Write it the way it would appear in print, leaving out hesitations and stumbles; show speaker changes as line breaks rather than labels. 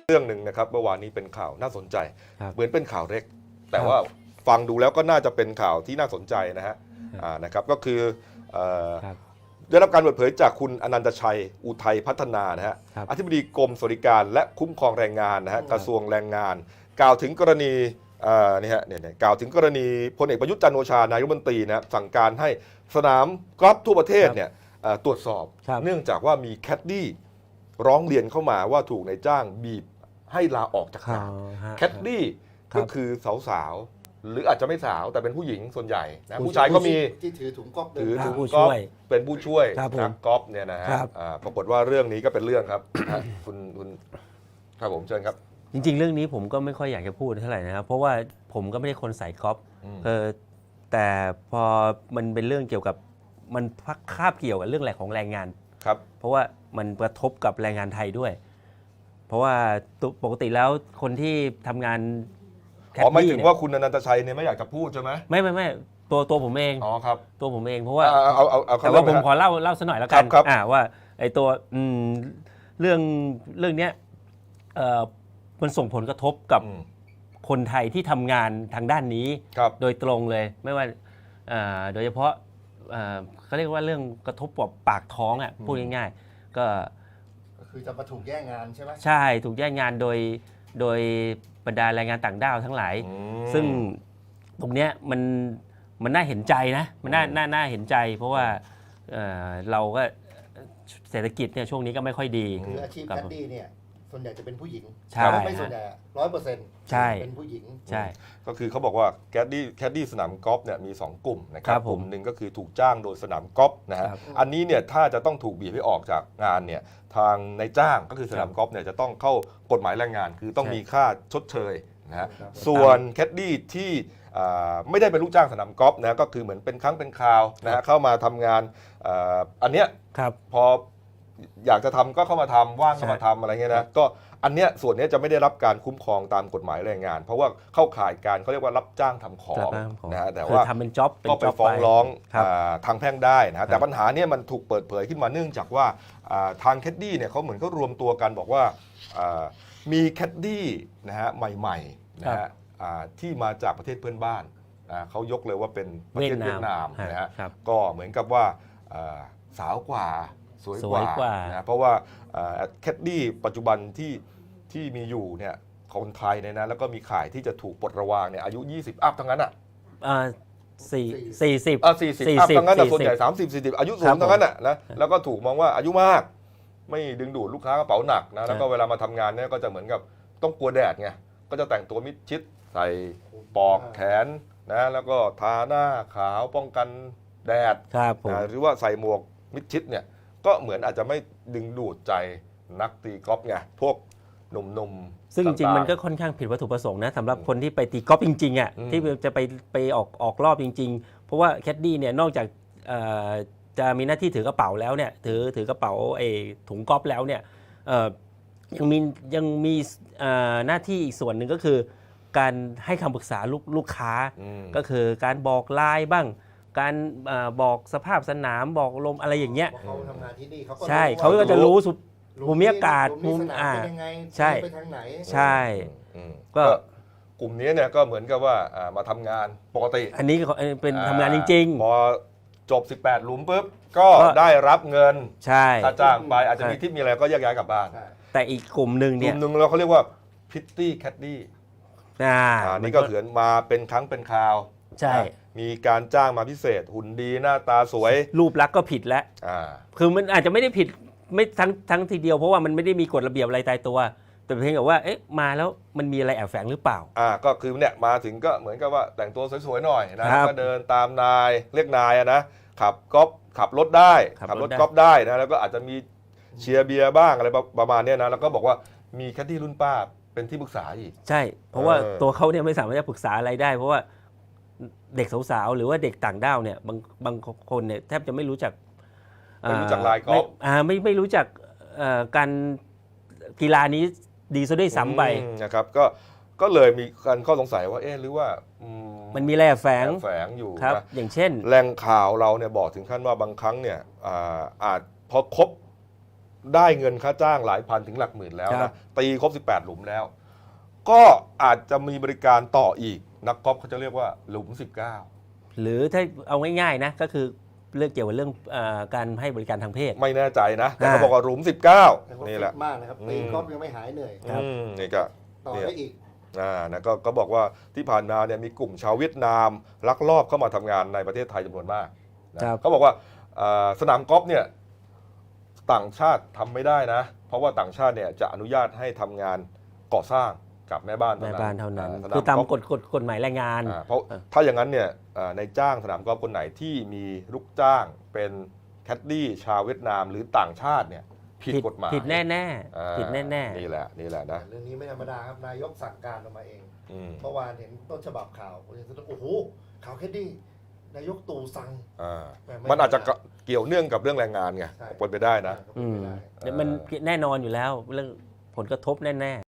เรื่องหนึ่งนะครับเมื่อวานนี้เป็นข่าวน่าสนใจเหมือนเป็นข่าวเล็กแต่ว่า
ครับ
ฟังดูแล้วก็น่าจะเป็นข่าวที่น่าสนใจนะฮะนะครับก็คือได้รับการเปิดเผยจากคุณอนันตชัยอุทัยพัฒนานะฮะอธิบดีกรมสวัสดิการและคุ้มครองแรงงานนะฮะกระทรวงแรงงาน กล่าวถึงกรณีนี่ฮะกล่าวถึงกรณีพลเอกประยุทธ์จันทร์โอชานายกรัฐมนตรีนะสั่งการให้สนามกอล์ฟทั่วประเทศเนี่ยตรวจสอบเนื่องจากว่ามีแคดดี้ร้องเรียนเข้ามาว่าถูกนายจ้างบีบให้ลาออกจากงานแคดดี้ก็คือสาวๆหรืออาจจะไม่สาวแต่เป็นผู้หญิงส่วนใหญ่นะผู้ชายก็มี
ที่ถือถุงก๊อฟ
ถือถุงก๊อฟเป็นผู้ช่วยนักกอล์ฟเนี่ยนะฮะปรากฏว่าเรื่องนี้ก็เป็นเรื่องครับคุณครับผมเชิญครับ
จริงๆเรื่องนี้ผมก็ไม่ค่อยอยากจะพูดเท่าไหร่นะครับเพราะว่าผมก็ไม่ได้คนสายกอล์ฟแต่พอมันเป็นเรื่องเกี่ยวกับมันคาบเกี่ยวกับเรื่องแหล่งของแรงงาน
ครับ
เพราะว่ามันกระทบกับแรงงานไทยด้วยเพราะว่าปกติแล้วคนที่ทำงาน
ไม่ถึงว่าคุณอนันตชัยเนี่ยไม่อยากจะพูดใช่ไหม
ไม่ตัวผมเอง
ครับ
ตัวผมเองเพราะว่า
แต่
ว่าผมขอเล่าสักหน่อยแล้วกันว่าไอ้ตัวเรื่องเนี้ยมันส่งผลกระทบกับคนไทยที่ทำงานทางด้านนี้โดยตรงเลยไม่ว่าโดยเฉพาะเขาเรียกว่าเรื่องกระทบกับปากท้องพูดง่ายๆก็
คือจะมาถูกแย่งงานใช่ไหม
ใช่ถูกแย่งงานโดยบรรดาแรงงานต่างด้าวทั้งหลายซึ่งตรงเนี้ยมันน่าเห็นใจนะมันน่าเห็นใจเพราะว่าเราก็เศรษฐกิจเนี่ยช่วงนี้ก็ไม่ค่อยดี
คืออาชีพแคดดี้เนี่ยส่วนใหญ่จะเป็นผู้หญิง
ใช่
ไม่ส่วนใหญ่100%
ใช่
เป็นผู้หญิง
ใช่
ก็คือเขาบอกว่าแคดดี้สนามกอล์ฟเนี่ยมี2กลุ่มนะครับกลุ่มหนึ่งก็คือถูกจ้างโดยสนามกอล์ฟนะฮะอันนี้เนี่ยถ้าจะต้องถูกบีบให้ออกจากงานเนี่ยทางนายจ้างก็คือสนามกอล์ฟเนี่ยจะต้องเข้ากฎหมายแรงงานคือต้องมีค่าชดเชยนะฮะส่วนแคดดี้ที่ไม่ได้เป็นลูกจ้างสนามกอล์ฟนะก็คือเหมือนเป็นครั้งเป็นคราวนะฮะเข้ามาทำงานอันเนี้ยพออยากจะทำก็เข้ามาทำว่างก็มาทำอะไรเงี้ยนะก็อันเนี้ยส่วนนี้จะไม่ได้รับการคุ้มครองตามกฎหมายแรงงานเพราะว่าเข้าข่ายการเขาเรียกว่ารับจ้างทำของนะฮะแต่ว่า
ทำเป็นจ็อบ
ก็ไปฟ้องร้องทางแพ่งได้นะแต่ปัญหาเนี้ยมันถูกเปิดเผยขึ้นมาเนื่องจากว่าทางแคดดี้เนี่ยเขาเหมือนเขารวมตัวกันบอกว่ามีแคดดี้นะฮะใหม่ๆนะฮะที่มาจากประเทศเพื่อนบ้านเขายกเลยว่าเป็นประเทศเวียดนามนะฮะก็เหมือนกับว่าสาวกว่าสวยกว่านะเพราะว่าแคดดี้ปัจจุบันที่มีอยู่เนี่ยคนไทยเนี่ยนะแล้วก็มีข่ายที่จะถูกปลดระวางเนี่ยอายุ20อัพทั้งนั้นอ่ะ
40
อัพทั้งนั้นส่วนใหญ่30-40อายุสูงทั้งนั้นอ่ะนะแล้วก็ถูกมองว่าอายุมากไม่ดึงดูดลูกค้ากระเป๋าหนักนะแล้วก็เวลามาทำงานเนี่ยก็จะเหมือนกับต้องกลัวแดดไงก็จะแต่งตัวมิดชิดใส่ปอกแขนนะแล้วก็ทาหน้าขาวป้องกันแดดหรือว่าใส่หมวกมิดชิดเนี่ยก็เหมือนอาจจะไม่ดึงดูดใจนักตีกอล์ฟไงพวกหนุ่ม
ซึ่งจริงๆมันก็ค่อนข้างผิดวัตถุประสงค์นะสำหรับคนที่ไปตีกอล์ฟจริงๆอ่ะที่จะไปออกรอบจริงๆเพราะว่าแคดดี้เนี่ยนอกจากจะมีหน้าที่ถือกระเป๋าแล้วเนี่ยถือกระเป๋าถุงกอล์ฟแล้วเนี่ยยังมีหน้าที่อีกส่วนหนึ่งก็คือการให้คำปรึกษาลูกค้าก็คือการบอกไลน์บ้างการบอกสภาพสนามบอกลมอะไรอย่างเงี้ย
เขาทำงานที่นี่เขาก็
ใช่เขาก็จะรู้ภูมิอากาศ
ภูมิเป็นยังไง
ใช่
ไปทางไหน
ใช่ก็
กลุ่มนี้เนี่ยก็เหมือนกับว่ามาทำงานปกติ
อันนี้เป็นทำงานจริง
ๆพอจบ18หลุมปุ๊บก็ได้รับเงิน
ใช่
ค่าจ้างไปอาจจะมีทิปมีอะไรก็แยกย้ายกลับบ้าน
แต่อีกกลุ่มหนึ่งเนี่ย
กลุ่มหนึ่งเราเขาเรียกว่าพิตตี้แคดดี้นี่ก็เถือนมาเป็นครั้งเป็นคราว
ใช่
มีการจ้างมาพิเศษหุ่นดีหน้าตาสวย
รูปลักษณ์ก็ผิดแล้วคือมันอาจจะไม่ได้ผิดไม่ทั้งทีเดียวเพราะว่ามันไม่ได้มีกฎระเบียบอะไรตายตัวแต่เพียงแต่ว่ามาแล้วมันมีอะไรแอบแฝงหรือเปล่า
ก็คือเนี่ยมาถึงก็เหมือนกับว่าแต่งตัวสวยๆหน่อยนะก็เดินตามนายเรียกนายนะขับกอล์ฟขับรถได้ขับรถกอล์ฟได้นะแล้วก็อาจจะมีเชียร์เบียร์บ้างอะไรประมาณนี้นะแล้วก็บอกว่ามีแคดดี้รุ่นป้าเป็นที่ปรึกษาอีก
ใช่เพราะว่าตัวเขาเนี่ยไม่สามารถจะปรึกษาอะไรได้เพราะว่าเด็กสาวๆหรือว่าเด็กต่างด้าวเนี่ยบางคนเนี่ยแทบจะไม่รู้จัก
ลายกอล์ฟ
ไม่รู้จักการกีฬานี้ดีซะด้วยซ้ำไป
นะครับก็เลยมีการข้อสงสัยว่าหรือว่า
มันมีแร่แฝง
อยู่
ครับอย่างเช่น
แหล่งข่าวเราเนี่ยบอกถึงขั้นว่าบางครั้งเนี่ยอาจพอครบได้เงินค่าจ้างหลายพันถึงหลักหมื่นแล้ว
ครั
นะ
บ
ตีครบ18 หลุมแล้ว ก็อาจจะมีบริการต่ออีกนักกอล์ฟเขาจะเรียกว่าหลุม 19
หรือถ้าเอาง่ายๆนะก็คือเรื่องเกี่ยวกับเรื่องการให้บริการทางเพศ
ไม่แน่ใจนะแต่เขา
อ่า
บอกว่าหลุม
แต่
19
เขา
นี่
ฟิ
แหละ
ตมากนะครับตีกอล์ฟยังไม่หายเหนื่อย
ครับ
นี่ก็
ต่อ
เนี่ย
ได้อีก
นะก็บอกว่าที่ผ่านมาเนี่ยมีกลุ่มชาวเวียดนามลักลอบเข้ามาทำงานในประเทศไทยจำนวนมากนะครับ เขาบอกว่าสนามกอล์ฟเนี่ยต่างชาติทำไม่ได้นะ เพราะว่าต่างชาติเนี่ยจะอนุญาตให้ทำงานก่อสร้างกับแม่บ้าน
แม่บ้านเท่านั้น
ส
คือตาม
กล์ฟ
กฎหมายแรงงาน
เพราะถ้าอย่างนั้นเนี่ยในจ้างสนามกอล์ฟคนไหนที่มีลูกจ้างเป็นแคดดี้ชาวเวียดนามหรือต่างชาติเนี่ยผิดกฎหมาย
ผิดแน่
อ่า
ๆผิดแน่
นี่แหละนะ
เรื่องนี้ไม่ธรรมดาครับนายกสั่งการออกมาเอง
อืม
เมื่อวานเห็นต้นฉบับข่าวผมยังสะดุ้งโอ้โหข่าวแค่นี้นายกตู่สั่ง
มันอาจจะเกี่ยวเนื่องกับเรื่องแรงงานไง
ใช่
เป็นไปได้นะ
ก็เป็นไปได้
ๆมันแน่นอนอยู่แล้วเรื่องผลกระทบแน่